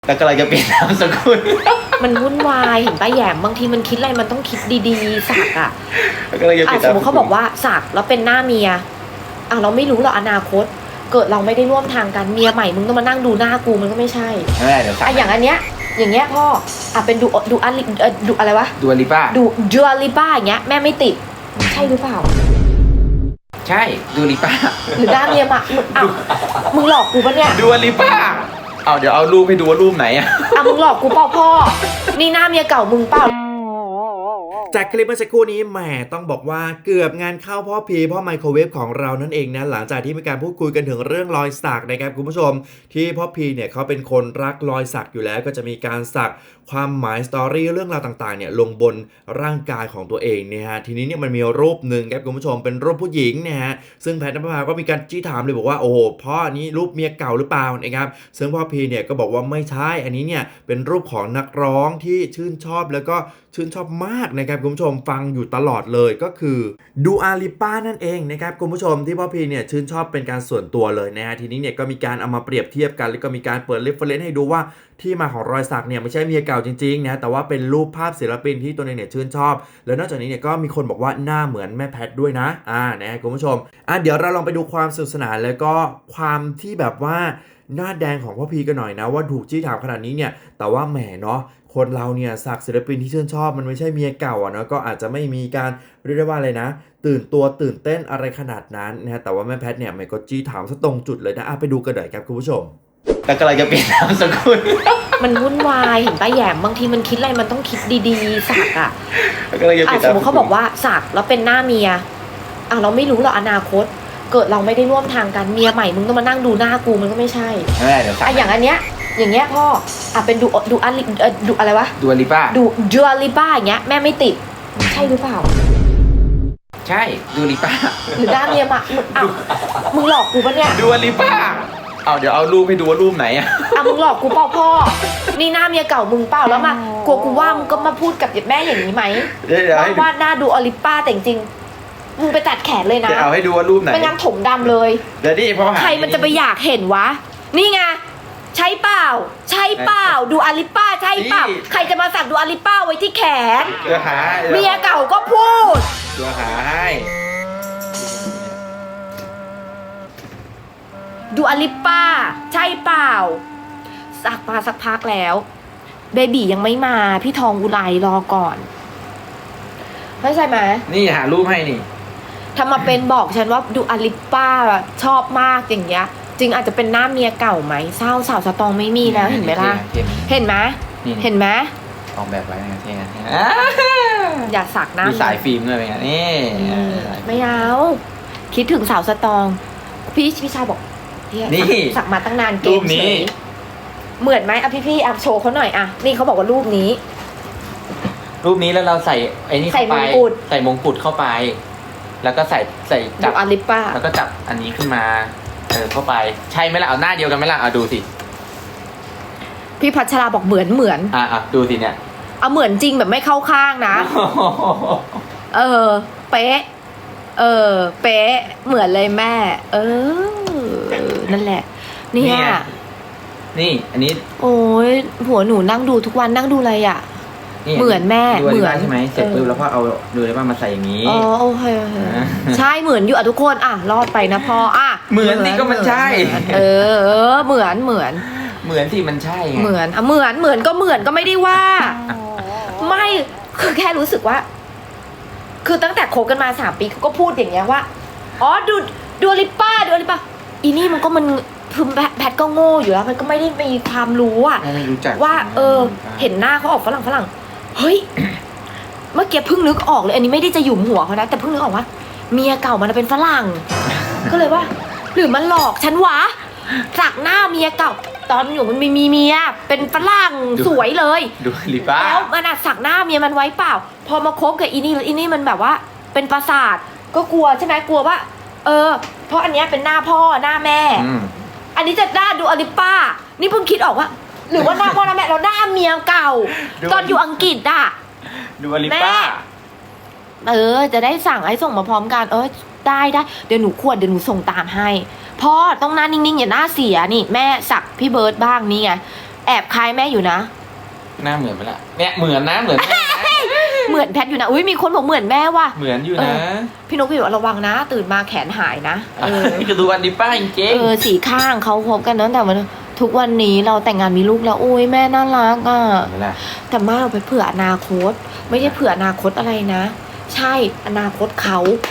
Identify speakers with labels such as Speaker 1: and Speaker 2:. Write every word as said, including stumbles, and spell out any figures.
Speaker 1: แต่กำลังจะเปลี่ยนนามสกุล
Speaker 2: มันวุ่นวายเห็นป้าแยมบางทีมันคิดอะไรมันต้องคิดดีๆสักอ่ะ
Speaker 1: กำลังจะเป
Speaker 2: อ่ะ
Speaker 1: ลี่ยน
Speaker 2: สมมติเขาบอกว่าสักแล้วเป็นหน้าเมียอ่ะเราไม่รู้หรอกอนาคต เกิดเราไม่ได้ร่วมทางกันเมียใหม่มึงต้องมานั่งดูหน้ากูมันก็ไม่ใช่
Speaker 1: ไม่ได้เดี๋ยวสัก
Speaker 2: อ่ะอย่างอันเนี้ยอย่างเงี้ยพ่ออ่ะเป็นดูดูอันเอ่อดูอะไรวะ
Speaker 1: ดูลิป้า
Speaker 2: ดูจูอาลิบ้าอย่างเงี้ยแม่ไม่ติดใช่หรือเปล่า
Speaker 1: ใช่ดูลิป้า
Speaker 2: หรือหน้าเมียมามึงอ่ะมึงหลอกกูปะเนี่ย
Speaker 1: ดูลิป้าเอาเดี๋ยวเอารูปให้ดูว่ารูปไหนอะ
Speaker 2: อ่ะมึงหลอกกูเปล่าพ่อนี่หน้าเมียเก่ามึงเปล่า
Speaker 3: จากคลิปเมื่อสักครู่นี้แหมต้องบอกว่าเกือบงานเข้าพ่อพีพ่อไมโครเวฟของเรานั่นเองนะหลังจากที่มีการพูดคุยกันถึงเรื่องรอยสักนะครับคุณผู้ชมที่พ่อพีเนี่ยเขาเป็นคนรักรอยสักอยู่แล้วก็จะมีการสักความหมายสตอรี่เรื่องราวต่างๆเนี่ยลงบนร่างกายของตัวเองเนี่ยฮะทีนี้เนี่ยมันมีรูปหนึ่งครับคุณผู้ชมเป็นรูปผู้หญิงนะฮะซึ่งแพทย์นภพาก็มีการจี้ถามเลยบอกว่าโอ้โหพ่ออันนี้รูปเมียเก่าหรือเปล่านะครับซึ่งพ่อพีเนี่ยก็บอกว่าไม่ใช่อันนี้เนี่ยเป็นรูปของนักร้องที่ชื่นชอบแล้วก็ชื่นชอบมากนะครับคุณผู้ชมฟังอยู่ตลอดเลยก็คือดูอาลิป้านั่นเองนะครับคุณผู้ชมที่พ่อพีเนี่ยชื่นชอบเป็นการส่วนตัวเลยนะฮะทีนี้เนี่ยก็มีการเอามาเปรียบเทียบกันแล้วก็มีการเปิดเรฟเฟอเรนซ์ให้ดูว่าที่มาของรอยสักเนี่ยไม่ใช่เมียเก่าจริงๆนะแต่ว่าเป็นรูปภาพศิลปินที่ตัวเองเนี่ยชื่นชอบแล้วนอกจากนี้เนี่ยก็มีคนบอกว่าหน้าเหมือนแม่แพทด้วยนะอ่านะคุณผู้ชมอ่ะเดี๋ยวเราลองไปดูความสนุกสนานแล้วก็ความที่แบบว่าหน้าแดงของพ่อพีกันหน่อยนะว่าถูกจี้ถามขนาดนี้เนี่ยแต่ว่าแหมเนาะคนเราเนี่ยสักศิลปินที่ชื่นชอบมันไม่ใช่เมียเก่าอ่ะเนาะก็อาจจะไม่มีการเรียกได้ว่าอะไรนะตื่นตัวตื่นเต้นอะไรขนาดนั้นนะฮะแต่ว่าแม่แพทเนี่ยมันก็จี้ถามซะตรงจุดเลยนะอ่ะไปดูกันหน่อยครับคุณผู้ชม
Speaker 1: แต่กำลังจะเปลี่ยนนามสกุล
Speaker 2: มันวุ่นวายเห็นป้าแยมบางทีมันคิดอะไรมันต้องคิดดีๆสักอ่ะ
Speaker 1: กำลังจะเป
Speaker 2: อ่ะ
Speaker 1: ลี่ยน
Speaker 2: สมมติเขาบอกว่าสักแล้วเป็นหน้าเมียอ่ะเราไม่รู้หรอกอนาคต เกิดเราไม่ได้ร่วมทางกันเมียใหม่มึงต้องมานั่งดูหน้ากูมันก็ไม่ใช่
Speaker 1: ไม่ได้เดี๋ยวสัก
Speaker 2: อ่ะอย่างอันเนี้ยอย่างเงี้ยพ่ออ่ะเป็นดูดูอันเอ่อดูอะไรวะ
Speaker 1: ดูลิป้า
Speaker 2: ดูจูอาลิบ้าอย่างเงี้ยแม่ไม่ติดใช่หรือเปล่า
Speaker 1: ใช่ดูลิป้า
Speaker 2: หรือหน้าเมียมามึงอ่ะมึงหลอกกูปะเนี่ย
Speaker 1: ดูลิป้าเอาเดี๋ยวเอารูปให้ดูว่ารูปไหนอะ
Speaker 2: อ่ะมึงหลอกกูเปล่าพ่อนี่หน้าเมียเก่ามึงเปล่าแล้วมากลัวกูว่ามึงก็มาพูดกับแม่อย่างนี้ไหม
Speaker 1: เดี๋ยวเดี๋ยว
Speaker 2: ว่า
Speaker 1: ให้
Speaker 2: วาดหน้าดูอลิป้าแต่จริงๆมึงไปตัดแขนเลยนะ
Speaker 1: จะเอาให้ดูว่ารูปไหน
Speaker 2: ไม่งั้นถมดำเลย
Speaker 1: เดี๋ยวนี่พ่อหา
Speaker 2: ใครมันจะไปอยากเห็นวะ นี่ไงใช่เปล่า ใช่เปล่าดูอลิป้าใช่เปล่าใครจะมาสักดูอลิป้าไว้ที่แขน
Speaker 1: เดี๋ยวหา
Speaker 2: เมียเก่าก็พูด
Speaker 1: เดี๋ยวหาให้
Speaker 2: ดูอลิป้า ใช่เปล่าสักมาสักพักแล้วเบบียังไม่มาพี่ทองอุไรรอก่อนเข้าใจไหม
Speaker 1: นี่หารูปให้นี่
Speaker 2: ถ้ามาเป็นบอกฉันว่าดูอลิป้าชอบมากอย่างเงี้ยจริงอาจจะเป็นหน้าเมียเก่าไหมเศร้าสาวสตองไม่มีแล้วเห็นไหมล่ะ
Speaker 1: เท่
Speaker 2: เห็นไหม
Speaker 1: นี่
Speaker 2: เห็นไหม
Speaker 1: ออกแบบไว้นะเท่นะ
Speaker 2: อย่าสักหน้า
Speaker 1: มีสายฟิล์มด้วยไงนี่
Speaker 2: อืมไม่เอาคิดถึงสาวสตองพี่พี่ชายบอกเนี่ย
Speaker 1: นี่
Speaker 2: สักสักมาตั้งนานเก
Speaker 1: รู
Speaker 2: ม
Speaker 1: ป
Speaker 2: เฉ
Speaker 1: นี้
Speaker 2: ยเหมือนไหมอ่ะพี่พี่ๆอ่ะโชว์เขาหน่อยอ่ะนี่เขาบอกว่ารูปนี้
Speaker 1: รูปนี้แล้วเราใส่ไอ้นี่เข้าไป
Speaker 2: ใส่มงกุฎ
Speaker 1: ใส่มงกุฎเข้าไป แล้วก็ใส่ใส่
Speaker 2: ดู
Speaker 1: จับ
Speaker 2: อลิป้า
Speaker 1: แล้วก็จับอันนี้ขึ้นมาเออเข้าไปใช่ไหมล่ะเอาหน้าเดียวกันไหมล่ะเอาดูสิ
Speaker 2: พี่พัชราบอกเหมือนเหมือน
Speaker 1: อ่ะอ่ะดูสิเนี่ย
Speaker 2: เอาเหมือนจริงแบบไม่เข้าข้างนะ เออ เป๊ะ เออ เป๊ะ เหมือนเลยแม่ เออ นั่นแหละ เนี่ย
Speaker 1: นี่ อันนี้
Speaker 2: โอ้ยผัวหนูนั่งดูทุกวันนั่งดูอะไรอ่ะ
Speaker 1: นี่
Speaker 2: เหมือนแม่
Speaker 1: ดู
Speaker 2: เหมื
Speaker 1: ได้
Speaker 2: อน
Speaker 1: ใช่ไหมเสร็จ
Speaker 2: เออ
Speaker 1: ปุ๊บแล้วก็เอาดูได้ว่ามาใส่อย่างนี้
Speaker 2: อ๋อโอเคโอเค
Speaker 1: อ่า
Speaker 2: ใช่เหมือนอยู่อ่ะทุกคนอ่ะรอดไปนะพ่ออ่ะ
Speaker 1: เหมือนสิก็มันใช่
Speaker 2: เออเออเหมือนเหมือน
Speaker 1: เหมือนที่มันใช่ไง
Speaker 2: เหมือนอ่ะเหมือนเหมือนก็เหมือนก็ไม่ได้ว่า ไม่คือแค่รู้สึกว่า คือตั้งแต่คบกันมาสามปีเขาก็พูดอย่างเงี้ยว่าอ๋อดูดูอลิป้าดูอลิป้าอีนี่มันก็มันคือแพทแพทก็โง่อยู่แล้วมันก็ไม่ได้มีความรู้อะ
Speaker 1: ไม่รู้จัก
Speaker 2: ว่า เออ เห็นหน้าเขาออกฝรั่งฝรั่งเฮ้ย เมื่อกี้เพิ่งนึกออกเลย อันนี้ไม่ได้จะหยุมหัวเขานะแต่เพิ่งนึกออกว่าเมียเก่ามันเป็นฝรั่ง ก็เลยว่า หรือมันหลอกฉันวะสักหน้าเมียเก่า ตอนอยู่มันมีมีเมียเป็นฝรั่งสวยเลย
Speaker 1: ดูลิป้า
Speaker 2: แล้วมันอะสักหน้าเมียมันไว้เปล่า พอมาคบกับอีนี่แล้วอีนี่มันแบบว่า เป็นประสาทก็กลัวใช่ไหมกลัวว่า เออ เพราะอันเนี้ยเป็นหน้าพ่อหน้าแม่
Speaker 1: อืม
Speaker 2: อันนี้จะหน้าดูอลิป้า นี่เพิ่งคิดออกว่า หรือว่าหน้าพ่อหน้าแม่เราหน้าเมียเก่า ตอนอยู่อังกฤษอะ
Speaker 1: ดูลิป้า
Speaker 2: เออ จะได้สั่งให้ส่งมาพร้อมกัน เออได้ได้เดี๋ยวหนูขวดเดี๋ยวหนูส่งตามให้พ่อต้องหน้านิ่งๆอย่าหน้าเสียนี่แม่สักพี่เบิร์ดบ้างนี่ไงแออบคล้ายแม่อยู่นะ
Speaker 1: หน้าเหมือนไหมล่ะเนี่ยเหมือนนะเหมือนแม่นะ
Speaker 2: เหมือนแพทอยู่นะอุ้ยมีคนบอกเหมือนแม่ว่ะ
Speaker 1: เหมือนอยู่
Speaker 2: เอ
Speaker 1: นะ
Speaker 2: อ พี่นกพี่บอกระวังนะ ตื่นมาแขนหายนะเออ
Speaker 1: คือดูวันดีป้าจริง
Speaker 2: เออสีข้างเขาพบกันตั้งแต่วันทุกวันนี้เราแต่งงานมีลูกแล้วอุ้ยแม่น่ารักอ่ะ
Speaker 1: ๆเห็นไหมล่ะ
Speaker 2: แต่มาเราไปเผื่ออนาคต ไม่ใช่เผื่ออนาคตอะไรนะ ใช่อนาคตเขา